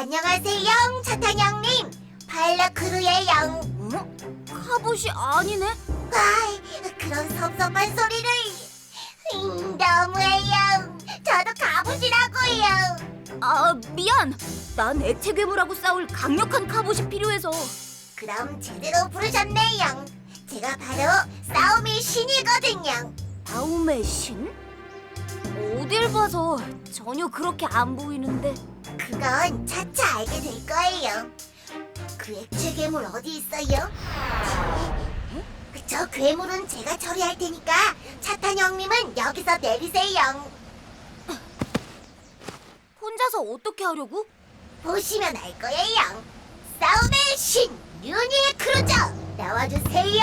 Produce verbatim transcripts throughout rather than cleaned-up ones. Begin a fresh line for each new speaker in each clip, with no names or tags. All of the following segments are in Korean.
안녕하세요, 차탄 형님. 파일럿크루예요.
응? 카봇이 아니네?
아이, 그런 섭섭한 소리를. 음, 너무해요. 저도 가보시라고요.
아, 미안. 난 액체 괴물하고 싸울 강력한 카봇이 필요해서.
그럼 제대로 부르셨네요. 제가 바로 싸움의 신이거든요.
다음의 신? 어딜 봐서 전혀 그렇게 안 보이는데.
그건 차차 알게 될 거예요. 그 액체 괴물 어디 있어요? 저 괴물은 제가 처리할 테니까 차탄 형님은 여기서 내리세요.
혼자서 어떻게 하려고?
보시면 알 거예요. 싸움의 신 유니 크루저 나와주세요.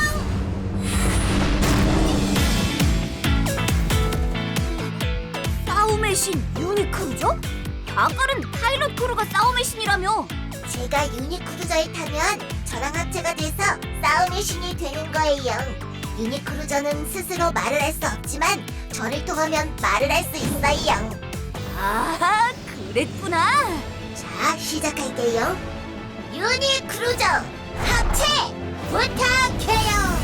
싸움의 신 유니크루죠? 아까는 파일럿 크루가 싸움의 신이라며.
제가 유니 크루저에 타면 저랑 합체가 돼서 싸움의 신이 되는 거예요. 유니 크루저는 스스로 말을 할 수 없지만 저를 통하면 말을 할 수 있어요.
아, 그랬구나.
자, 시작할게요. 유니 크루저 합체 부탁해요.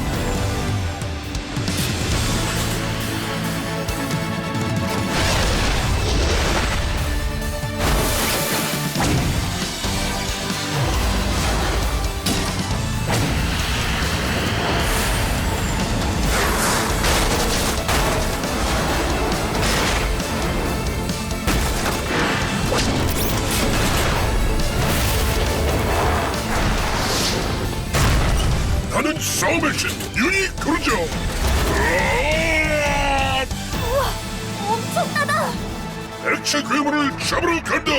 나는 싸움의 신 유니 크루저.
우와, 엄청나다.
액체 괴물을 잡으러 간다.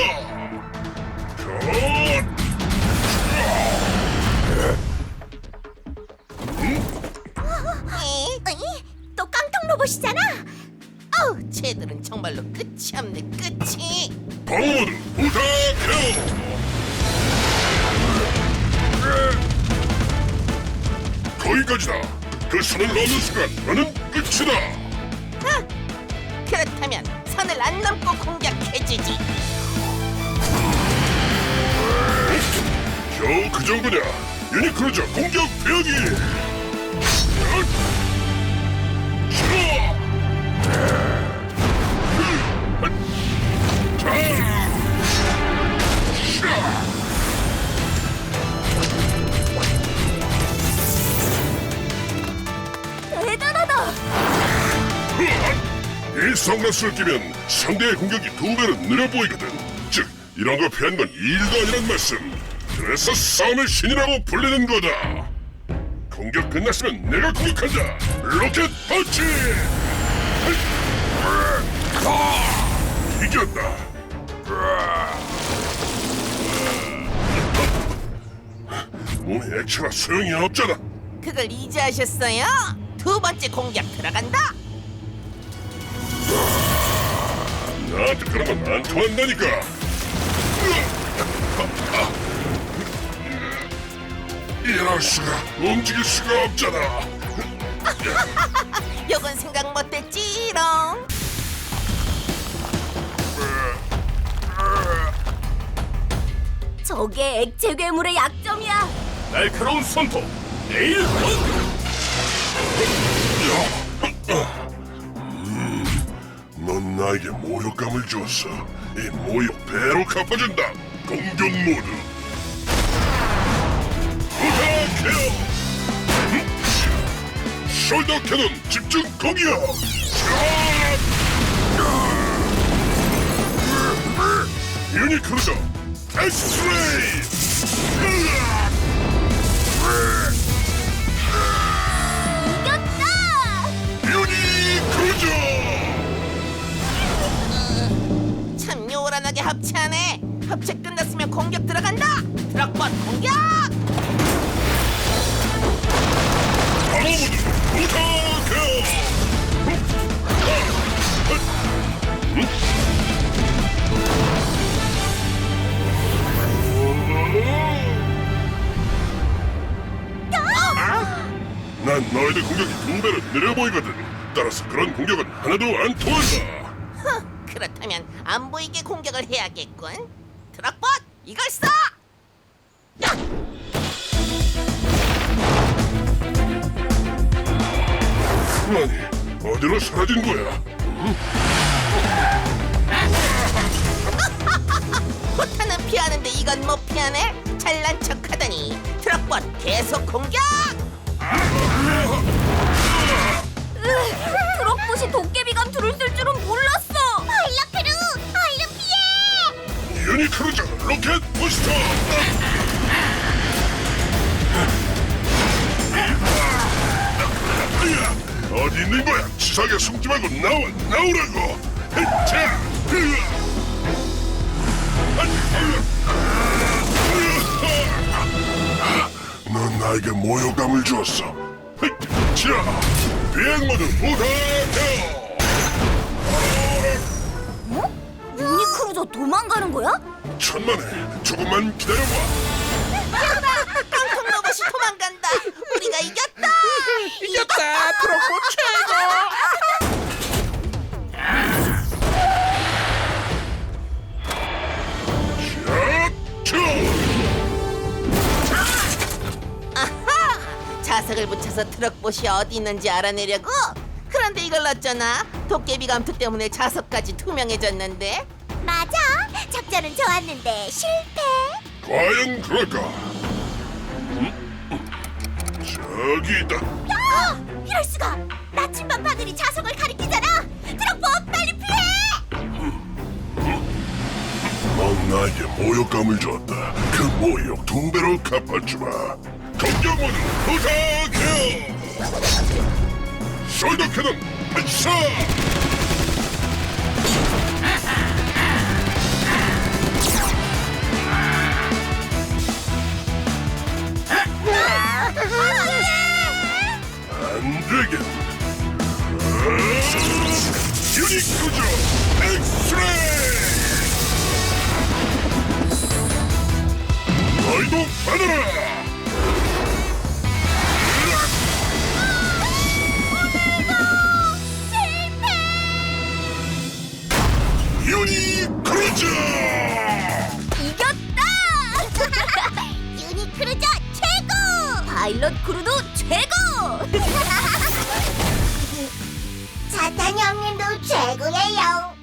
어이? 또 깡통 로봇이잖아.
어우, 쟤들은 정말로 끝이 없네, 끝이.
방어모드 부탁해요. 거기까지다. 그 선을 넘는 순간 나는 끝이다.
그렇다면 선을 안 넘고 공격해주지.
겨우 그 정도냐? 유니 크루저 공격 대기.
대단하다.
이 선글라스를 끼면 상대의 공격이 두 배로 느려 보이거든. 즉, 이런 거 피한 건 일도 아니란 말씀. 그래서 싸움의 신이라고 불리는 거다. 공격 끝났으면 내가 공격한다. 로켓 펀치! 이겼다. 몸에 액체가 소용이 없잖아.
그걸 이제 하셨어요? 두 번째 공격 들어간다.
나한테 그런 건 안 통한다니까. 이럴 수가, 움직일 수가 없잖아.
요건 생각 못했지롱.
저게 액체 괴물의 약점이야.
날카로운 손톱, 에일 펀! 넌 나에게 모욕감을 줬어. 이 모욕 배로 갚아준다. 공격 모드. 부탁해요. 숄더 캐논 집중 공격. 유니 크루저 엑스레이.
이겼다.
유니 크루저.
참 요란하게 합체하네. 합체 끝났으면 공격 들어간다. 트럭번 공격.
방어모드 부탁해요. 난 너희들 공격이 두 배로 느려 보이거든. 따라서 그런 공격은 하나도 안 통한다.
그렇다면 안 보이게 공격을 해야겠군. 트럭봇 이걸 써! 야!
아니, 어디로 사라진 거야?
포탄은 피하는데 이건 못 피하네? 잘난 척하더니 트럭봇 계속 공격!
트럭봇이 도깨비 감투를 쓸 줄은 몰랐어.
파일럿 크루, 얼른 피해!
유니크루저 로켓 부스터! 어디 있는 거야? 치사하게 숨지 말고 나와, 나오라고! 자, 넌 나에게 모욕감을 주었어. 자, 비행 모드 부탁해!
유니크루저 도망가는 거야?
천만에 조금만 기다려봐.
깡통 로봇이 도망간다! 우리가 이겼다!
이겼다 트럭봇 최고.
아하! 자석을 붙여서 트럭봇이 어디 있는지 알아내려고? 그런데 이걸 어쩌나? 도깨비 감투 때문에 자석까지 투명해졌는데?
맞아. 작전은 좋았는데 실패.
과연 그럴까? 음? 저기 있다.
야! 이럴 수가. 나침반 바늘이 자석을 가리키잖아. 트럭봇 빨리 피해!
넌 나에게 모욕감을 줬다. 그 모욕 두 배로 갚아주마. 공격 모드 부탁해. 숄더 캐논 발사. 안 되겠. 유니크루저 엑스레이. 너희도 받아라. 유니크루저.
이겼다.
유니크루저 최고!
파일럿 크루도 최고.
사탄 형님도 최고예요.